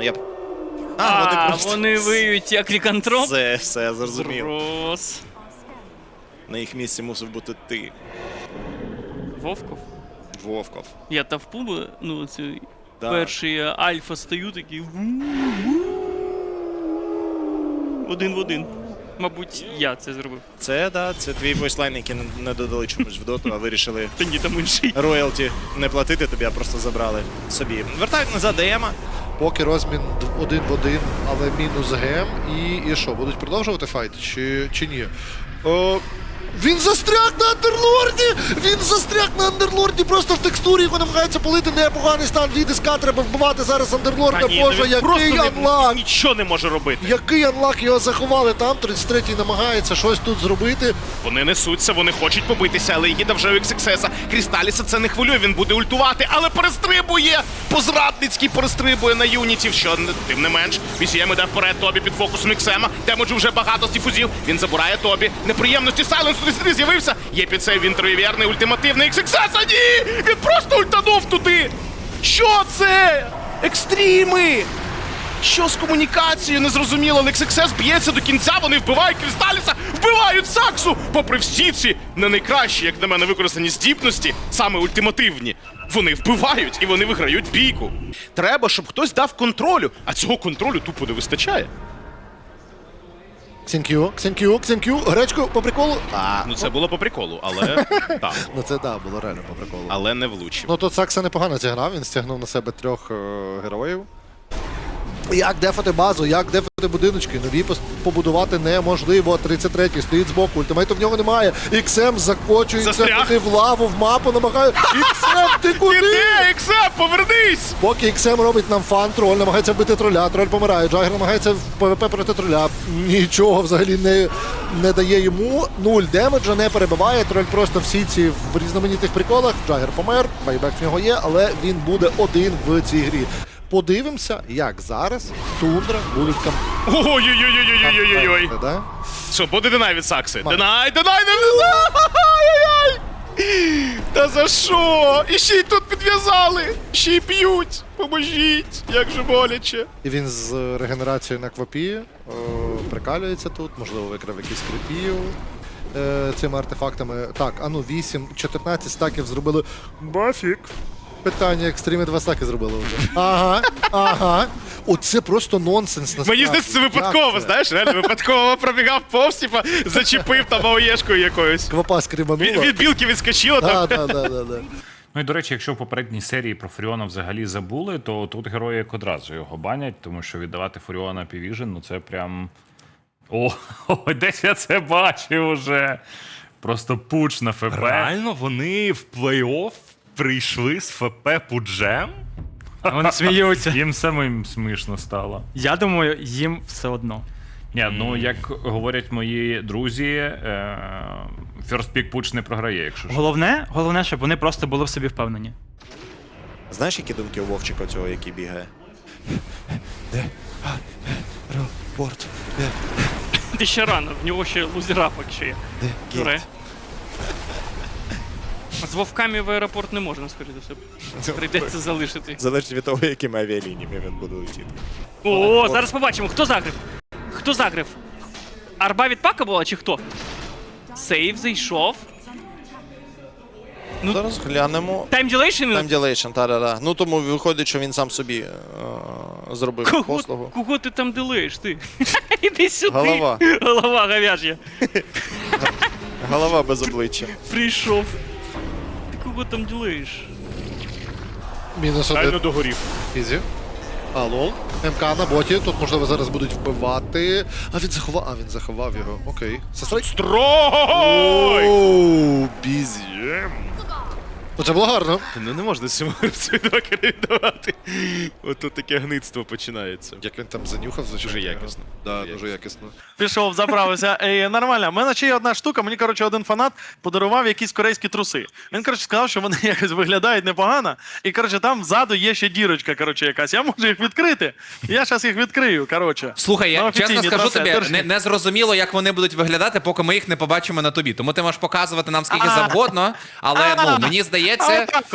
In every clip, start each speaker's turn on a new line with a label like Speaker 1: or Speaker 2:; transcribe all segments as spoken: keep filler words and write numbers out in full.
Speaker 1: я...
Speaker 2: А,
Speaker 1: А, вони
Speaker 2: а
Speaker 1: просто...
Speaker 2: вони виють як лікантроп?
Speaker 1: Все, все, зрозумів.
Speaker 2: Брос.
Speaker 1: На їх місці мусив бути ти,
Speaker 2: Вовков?
Speaker 1: Вовков.
Speaker 2: Я тавпу, би, ну, цей
Speaker 1: Да.
Speaker 2: перший альфа стою, такий... Один в один. Мабуть, я це зробив.
Speaker 1: Це, да, це твій войслайн, який не- не додали чомусь в доту, а вирішили
Speaker 2: Та ні, там інший.
Speaker 1: роялті не платити тобі, а просто забрали собі. Вертають назад ДМа.
Speaker 3: Поки розмін д- один в один, але мінус гем. І, і що, будуть продовжувати файт чи, чи ні? О, він застряг на Андерлорді! Він застряг на Андерлорді, просто в текстурі його намагається полити. Непоганий стан від СК, треба вбивати зараз Андерлорда.
Speaker 4: Та ні,
Speaker 3: Боже,
Speaker 4: ну він просто
Speaker 3: який
Speaker 4: не-
Speaker 3: анлак!
Speaker 4: нічого не може робити.
Speaker 3: Який анлак, його заховали там, тридцять третій намагається щось тут зробити.
Speaker 4: Вони несуться, вони хочуть побитися, але їде вже у ікс ікс ес. Крісталіса це не хвилює, він буде ультувати, але перестрибує! По-зрадницькій перестрибує на юнітів, що не- тим не менш. Вісієм іде вперед, Тобі під фокусом Іксема. Демеджу вже багато з діфузів. Він забирає Тобі. Неприємності Сайленс туди сюди з'явився. Є під цей він троєвірний ультимативний ікс ікс ес, а ні! Він просто ультанув туди! Що це? Екстріми! Що з комунікацією, незрозуміло, але ікс ікс ес б'ється до кінця, вони вбивають Крісталіса, вбивають Саксу! Попри всі ці не найкращі, як на мене, використані здібності, саме ультимативні, вони вбивають і вони виграють бійку. Треба, щоб хтось дав контролю, а цього контролю тупо не вистачає.
Speaker 3: Ксенкю, Ксенкю, Ксенкю, гречку по приколу. А,
Speaker 4: Ну це було по приколу, але так,
Speaker 3: ну це да, було реально по приколу.
Speaker 4: але не влучив.
Speaker 3: Ну тут Сакса непогано зіграв, він стягнув на себе трьох е, героїв. Як дефати базу, як дефати будиночки, нові пос- побудувати неможливо. тридцять третій стоїть збоку, ультимейту в нього немає. Іксем закочується
Speaker 4: Застряг.
Speaker 3: туди в лаву, в мапу намагає. Іксем, ти куди?
Speaker 4: Іди, Іксем, повернись!
Speaker 3: Поки Іксем робить нам фан, троль намагається вбити троля, троль помирає, Джагер намагається в ПВП проти троля. Нічого взагалі не, не дає йому. Нуль демеджа, не перебиває. Троль просто всі ці в різноманітних приколах. Джагер помер, байбек в нього є, але він буде один в цій грі. Подивимося, як зараз Тундра будуть кам...
Speaker 4: Ой-ой-ой-ой-ой-ой-ой-ой.
Speaker 3: Да?
Speaker 4: Що, буде Денай від Сакси?
Speaker 3: Мам.
Speaker 4: Денай, Денай, Денай! Ай-яй-яй! Та за що? І ще й тут підв'язали! Ще й б'ють! Поможіть! Як же боляче!
Speaker 3: І він з регенерацією на квапі о, прикалюється тут, можливо, викрав якісь крипів е, цими артефактами. Так, а ну вісім, чотирнадцять стаків зробили. Бафік. Питання, екстріми два стаки зробили вже. Ага, ага. Оце просто нонсенс. насправді.
Speaker 4: Мені здається, це випадково,
Speaker 3: Як це?
Speaker 4: знаєш, реально випадково пробігав повз, типа, зачепив там АОЄшкою якоюсь.
Speaker 3: Квапа скрібанула.
Speaker 4: Від, від білки відскочило там.
Speaker 3: Да, да, да, да, да.
Speaker 5: Ну і до речі, якщо в попередній серії про Фуріона взагалі забули, то тут герої як одразу його банять, тому що віддавати Фуріона Півіжен, ну це прям. О, о, десь я це бачив уже. Просто пуч на ФП.
Speaker 6: Реально вони в плей-офф прийшли з ФП Пуджем?
Speaker 7: Вони сміються.
Speaker 5: Їм самим смішно стало.
Speaker 7: Я думаю, їм все одно.
Speaker 5: Ні, ну як говорять мої друзі, е, First Pick Пуч не програє, якщо що.
Speaker 7: Головне, головне, щоб вони просто були в собі впевнені.
Speaker 1: Знаєш, які думки у Вовчика цього, який бігає? Де? Аеропорт. Де?
Speaker 2: Ти ще рано, в нього ще лузерапок ще є.
Speaker 1: Де?
Speaker 2: Дуре.
Speaker 1: Гейт.
Speaker 2: З вовками в аеропорт не можна, скоріше за все. Прийдеться залишити.
Speaker 1: Залежить від того, якими авіалініями він буде летіти.
Speaker 2: О, зараз побачимо, хто загрив? Хто загрив? Арба від пака була чи хто? Сейв зайшов. Ну,
Speaker 1: Зараз глянемо.
Speaker 2: Time dilation?
Speaker 1: Time dilation, та-да-да. Ну тому виходить, що він сам собі е, зробив
Speaker 2: Кого,
Speaker 1: послугу.
Speaker 2: кого ти там дилеєш, ти? Іди сюди.
Speaker 1: Голова.
Speaker 2: Голова говяж'я.
Speaker 1: Голова без обличчя.
Speaker 2: Прийшов. Ти кого там ділаєш?
Speaker 3: Мінус
Speaker 4: Реально
Speaker 3: один.
Speaker 4: догорів.
Speaker 3: Ізі. А, лол. МК на боті. Тут, можливо, зараз будуть вбивати. А він заховав. А, він заховав його. Окей. Сестрай.
Speaker 4: Строй!
Speaker 3: Оу, бізі. Ну це було гарно.
Speaker 4: Ну не можна цьому гравцю двакери віддавати. Ото таке гництво починається.
Speaker 3: Як він там занюхав, звичайно.
Speaker 4: Дуже якісно.
Speaker 3: Да,
Speaker 4: Дуже
Speaker 3: дуже якісно.
Speaker 8: Пішов, заправився. Е, нормально. У мене ще є одна штука. Мені, коротше, один фанат подарував якісь корейські труси. Він, коротше, сказав, що вони якось виглядають непогано. І, коротше, там ззаду є ще дірочка, коротше, якась. Я можу їх відкрити. Я зараз їх відкрию, коротше.
Speaker 9: Слухай,
Speaker 8: На
Speaker 9: я
Speaker 8: офіційні
Speaker 9: чесно скажу
Speaker 8: труси.
Speaker 9: тобі,
Speaker 8: Держи.
Speaker 9: не, не зрозуміло, як вони будуть виглядати, поки ми їх не побачимо на тобі. Тому ти можеш показувати нам скільки
Speaker 8: А.
Speaker 9: завгодно, але ну, мені
Speaker 8: А
Speaker 9: здається,
Speaker 8: отак от.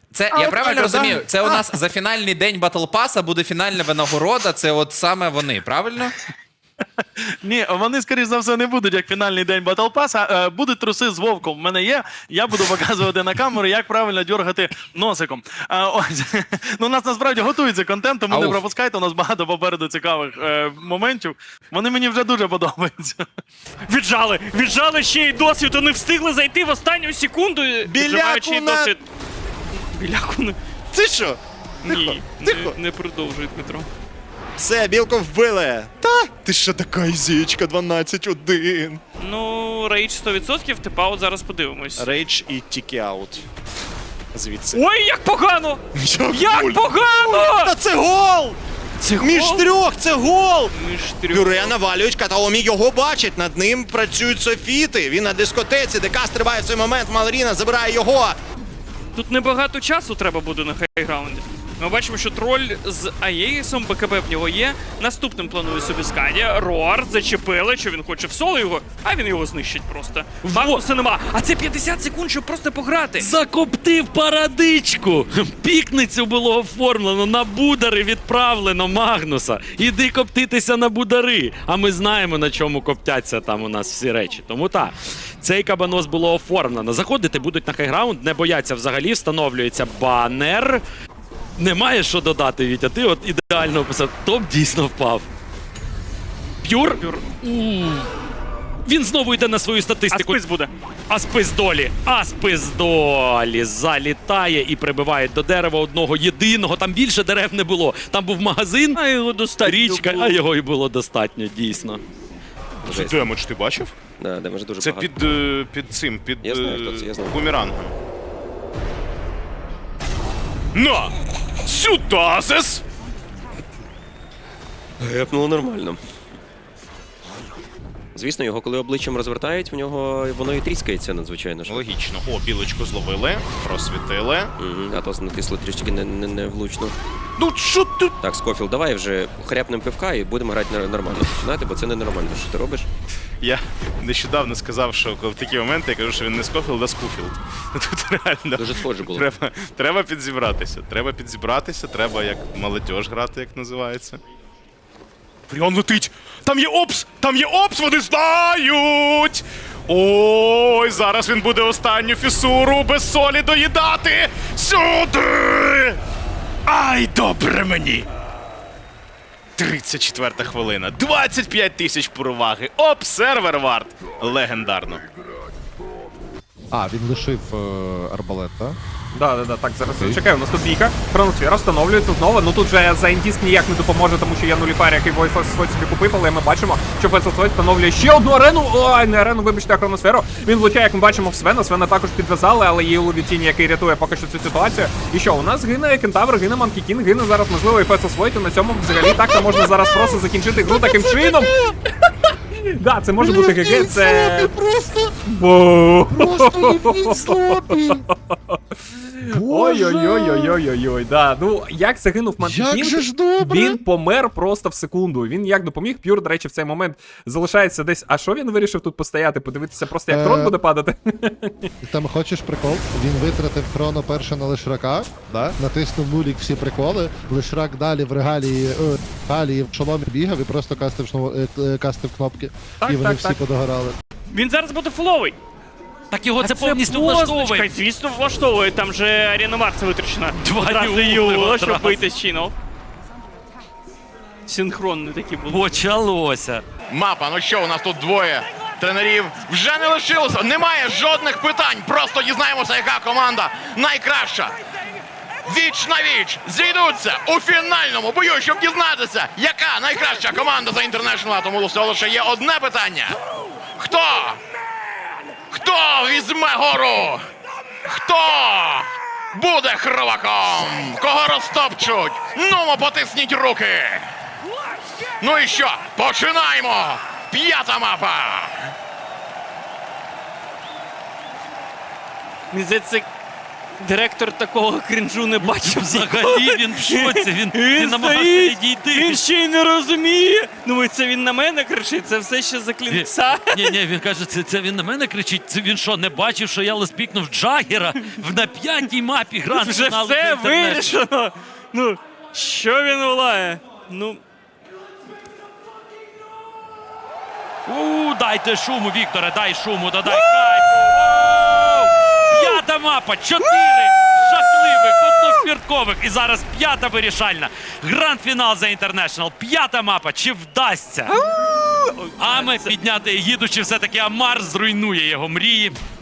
Speaker 9: Це
Speaker 8: А,
Speaker 9: я
Speaker 8: от
Speaker 9: правильно
Speaker 8: так,
Speaker 9: розумію?
Speaker 8: да?
Speaker 9: Це у нас за фінальний день Батл Паса буде фінальна винагорода. Це от саме вони, правильно?
Speaker 8: Ні, вони, скоріш за все, не будуть як фінальний день Battle Pass, а е, будуть труси з вовком. В мене є. Я буду показувати на камеру, як правильно дьоргати носиком. А, ось. Ну, у нас насправді готується контент, тому не
Speaker 9: Ауф.
Speaker 8: пропускайте. У нас багато попереду цікавих е, моментів. Вони мені вже дуже подобаються.
Speaker 2: Віджали! Віджали ще й досвід, вони встигли зайти в останню секунду, віджимаючи
Speaker 1: на-
Speaker 2: досвід. Біляку не...
Speaker 1: Ти що?
Speaker 2: Ні,
Speaker 1: тихо.
Speaker 2: Не, не продовжує Дмитро.
Speaker 1: Все, білку вбили. Та? Ти що така ізічка, дванадцять один.
Speaker 2: Ну, рейдж сто відсотків, типа от зараз подивимось.
Speaker 1: Рейдж і тікі аут. Звідси.
Speaker 2: Ой, як погано!
Speaker 1: Як
Speaker 2: Як
Speaker 1: гуль.
Speaker 2: погано!
Speaker 1: Та це гол!
Speaker 2: Це
Speaker 1: Між
Speaker 2: гол?
Speaker 1: трьох, це гол!
Speaker 2: Між трьох.
Speaker 1: Пюре навалюють, Катаомі його бачить, над ним працюють софіти. Він на дискотеці, ДК стрибає в цей момент, Малоріна забирає його.
Speaker 2: Тут небагато часу треба буде на хайграунді. Ми бачимо, що троль з Аєїсом, БКБ в нього є. Наступним планує собі Скадія. Роар зачепили, що він хоче в соло його, а він його знищить просто. Магнуса нема. А це п'ятдесят секунд, щоб просто пограти.
Speaker 10: Закоптив парадичку. Пікницю було оформлено, на будари відправлено Магнуса. Іди коптитися на будари. А ми знаємо, на чому коптяться там у нас всі речі. Тому так, цей кабанос було оформлено. Заходити будуть на хайграунд, не бояться взагалі, встановлюється банер. Немає що додати, Вітя, ти от ідеально описав. Топ дійсно впав. П'юр?
Speaker 2: Пюр.
Speaker 10: У. Він знову йде на свою
Speaker 2: А
Speaker 10: статистику.
Speaker 2: спис буде.
Speaker 10: Аспис долі. Аспис долі залітає і прибиває до дерева одного єдиного. Там більше дерев не було. Там був магазин,
Speaker 2: А його достатньо
Speaker 10: річка,
Speaker 2: було.
Speaker 10: а його й було достатньо, дійсно.
Speaker 4: Це демедж ти бачив?
Speaker 11: Да, демедж дуже
Speaker 4: Це
Speaker 11: багато.
Speaker 4: під, е, під цим, під
Speaker 11: Я знаю,
Speaker 4: е,
Speaker 11: хто це, я знаю.
Speaker 4: бумерангом. На! Сюдазес!
Speaker 11: Гепнуло нормально. Звісно, його коли обличчям розвертають, в нього воно і тріскається надзвичайно. ж.
Speaker 4: Логічно. О, білочку зловили, просвітили.
Speaker 11: Мгм, а то натисло трішки не, не, не влучно.
Speaker 4: Ну що ти?
Speaker 11: Так, Скофілд, давай вже хряпнем пивка і будемо грати на- нормально. Починати, бо це не нормально, що ти робиш.
Speaker 4: Я нещодавно сказав, що коли в такі моменти я кажу, що він не Скофілд, а Скуфілд. Тут реально
Speaker 11: Дуже схоже було.
Speaker 4: треба, треба підзібратися. Треба підзібратися, треба як молодіж грати, як називається. Фріон летить! Там є опс! Там є опс! Вони знають! Ой, зараз він буде останню фісуру без солі доїдати! Сюди! Ай, добре мені! тридцять четверта хвилина. двадцять п'ять тисяч переваги. Оп, сервер варт. Легендарно.
Speaker 3: А, він лишив е, арбалет, так?
Speaker 12: Да, да, да, так, зараз чекаю, у нас тут бійка. Хроносфера встановлюється знову. Ну тут вже за індіск ніяк не допоможе, тому що є нуліфар, який Voice собі купив, але ми бачимо, що Пецелсойт встановлює ще одну арену. Ой, не арену, вибачте, а хроносферу. Він влучає, як ми бачимо, в Свена. Свена також підв'язали, але є у Ловітіні, який рятує поки що цю ситуацію. І що, у нас гине Кентавр, гине Манкі Кінг, гине зараз, можливо, і Пецелсойт, і на цьому взагалі так можна зараз просто закінчити гру таким чином. Да, це може бути ГГ, це...
Speaker 3: Просто,
Speaker 12: Бо.
Speaker 3: просто єдніть слопі.
Speaker 12: Ой-ой-ой-ой-ой-ой, да. Ну, як загинув Манкі
Speaker 3: Як
Speaker 12: Кінг,
Speaker 3: же ж добре.
Speaker 12: він помер просто в секунду. Він як допоміг. П'юр, до речі, в цей момент залишається десь. А що він вирішив тут постояти? Подивитися просто, як
Speaker 3: Е,
Speaker 12: трон буде падати?
Speaker 3: Там хочеш прикол? Він витратив хроно перше на Лишрака, да? Натиснув нулік всі приколи. Лишрак далі в регалії, е, регалії в шоломі бігав і просто кастив, шно- е, е, кастив кнопки.
Speaker 12: Так,
Speaker 3: і вони
Speaker 12: так,
Speaker 3: всі
Speaker 12: так.
Speaker 3: подогорали.
Speaker 2: Він зараз буде фуловий.
Speaker 10: Так його це
Speaker 2: А
Speaker 10: повністю
Speaker 2: позначка,
Speaker 10: влаштовує.
Speaker 2: Звісно, влаштовує. Там же Арена Марса витрачена.
Speaker 10: Два
Speaker 2: Одразу
Speaker 10: юли,
Speaker 2: юла, щоб
Speaker 10: одразу.
Speaker 2: бити з чинов. Синхронні такі були.
Speaker 10: Почалося.
Speaker 4: Мапа, ну що, у нас тут двоє тренерів вже не лишилося. Немає жодних питань. Просто дізнаємося, яка команда найкраща. Віч на віч зійдуться у фінальному бою, щоб дізнатися, яка найкраща команда за International. Тому всього лише є одне питання. Хто? Хто візьме гору? Хто буде хробаком? Кого розтопчуть? Нумо, потисніть руки. Ну і що? Починаємо! П'ята мапа!
Speaker 2: Мені здається, Директор такого крінжу не бачив
Speaker 10: Взагалі він в шоці, він, він
Speaker 2: Він
Speaker 10: намагався
Speaker 2: стоїть,
Speaker 10: відійти.
Speaker 2: він ще й не розуміє. Ну і це він на мене кричить, це все ще за клінкса.
Speaker 10: Ні, ні, він каже, це, це він на мене кричить. Це він що, не бачив, що я леспікнув Джаггера в на п'ятій мапі гранд
Speaker 2: Вже
Speaker 10: фіналу
Speaker 2: все
Speaker 10: за інтернет.
Speaker 2: вирішено. Ну, що він волає? Ну,
Speaker 10: У, дайте шуму, Вікторе, дай шуму, додай кайфу. Воу! П'ята мапа, чотири жахливих, однофірткових. І зараз п'ята вирішальна. Гранд-фінал за Інтернешнл. П'ята мапа, чи вдасться? Аме підняти Егіду, чи все-таки Амар зруйнує його мрії?